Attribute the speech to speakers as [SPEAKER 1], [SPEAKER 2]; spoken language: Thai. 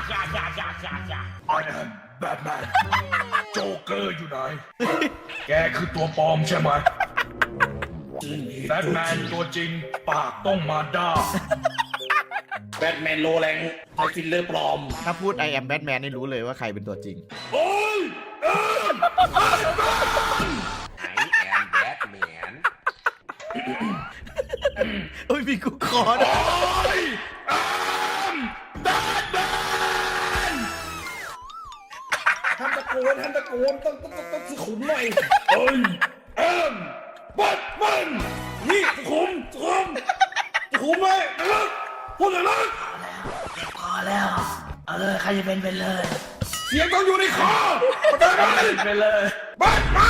[SPEAKER 1] แบทแมนโจ๊กเกอร์อยู่ไหนแกคือตัวปลอมใช่ไหมแบทแมนตัวจริงปากต้องมาด้าแบทแมนโลแรงใช้ฟิลเลอร์ปลอม
[SPEAKER 2] ถ้าพูด I am Batman นี่รู้เลยว่าใครเป็นตัวจริง
[SPEAKER 1] โอ้ย
[SPEAKER 3] I am Batman
[SPEAKER 2] โอ้ยมีกูคอด้วย
[SPEAKER 1] ท่านตะโกนต้องสุขุมหน่อยเอ้ยบัดมันนี่สุขุมไหมพูดเลยนะ
[SPEAKER 4] เจ็บคอแล้วใครจะเป็นเลย
[SPEAKER 1] เสียงต้องอยู่ในคอไปเลยบัดมัน